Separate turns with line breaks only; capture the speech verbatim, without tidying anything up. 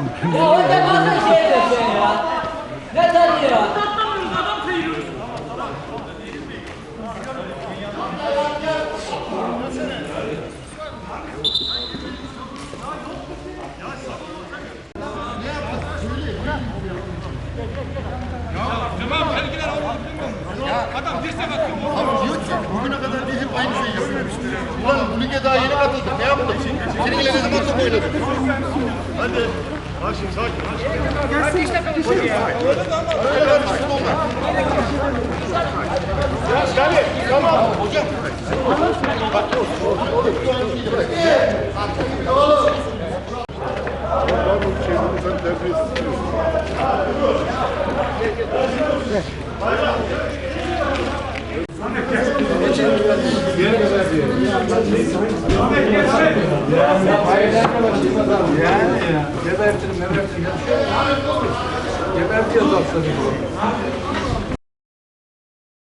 Ya o da nasıl şey ediyorsun ya? Ne tadı ya?
Tamam, belkiler adam dirsek atıyor.
Abi diyor ki bugüne kadar biz hep aynı şeyi yapıyoruz. Ulan bu lige daha yeni katıldık. Ne yaptık? Seninle ne zaman top oynadık? Hadi. Haşim sakin. Gelsin işte konuşuyor ya. Öyle karıştı onlar. Gel, tamam. Hocam. Bak, sen terbiyesiz.
Yani ya. Gebertirim, gebertirim. Gebertiyoruz aslında.